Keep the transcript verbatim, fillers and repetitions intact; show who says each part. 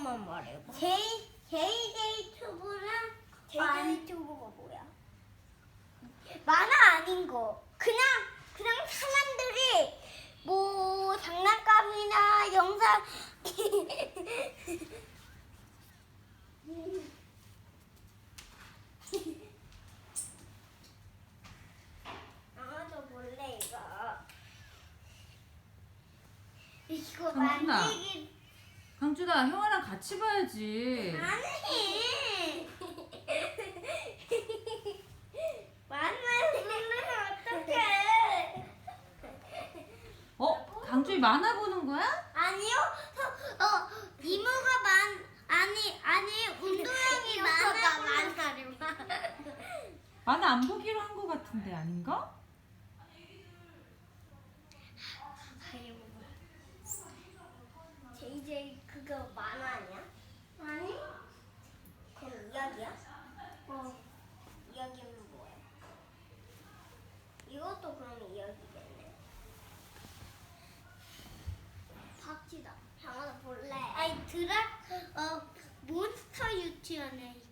Speaker 1: 번만 말해봐.
Speaker 2: 제이 제이제이 튜브랑 제이제이 튜브가 뭐야? 만화 아닌 거. 그냥 그냥 사람들이 뭐 장난감이나 영상 아마도 몰래 이거. 이거
Speaker 3: 강준아.
Speaker 2: 만들기
Speaker 3: 강준아, 형아랑 같이 봐야지.
Speaker 2: 아니. 만만 보면 어떡해?
Speaker 3: 어? 강준이 만화 보는 거야?
Speaker 2: 아니요. 어, 어 이모가 만 아니 아니 운동형이 만화 만화를
Speaker 3: 만화 안 보기로 한 거 같은데 아닌가?
Speaker 2: 제이제이 그거 만화 아니야? 아니. 그럼 이야기야? 어. 이야기는 뭐야? 이것도 그럼 이야기겠네. 박지다. 장하나 볼래? 아니 드라 어 몬스터 유치원에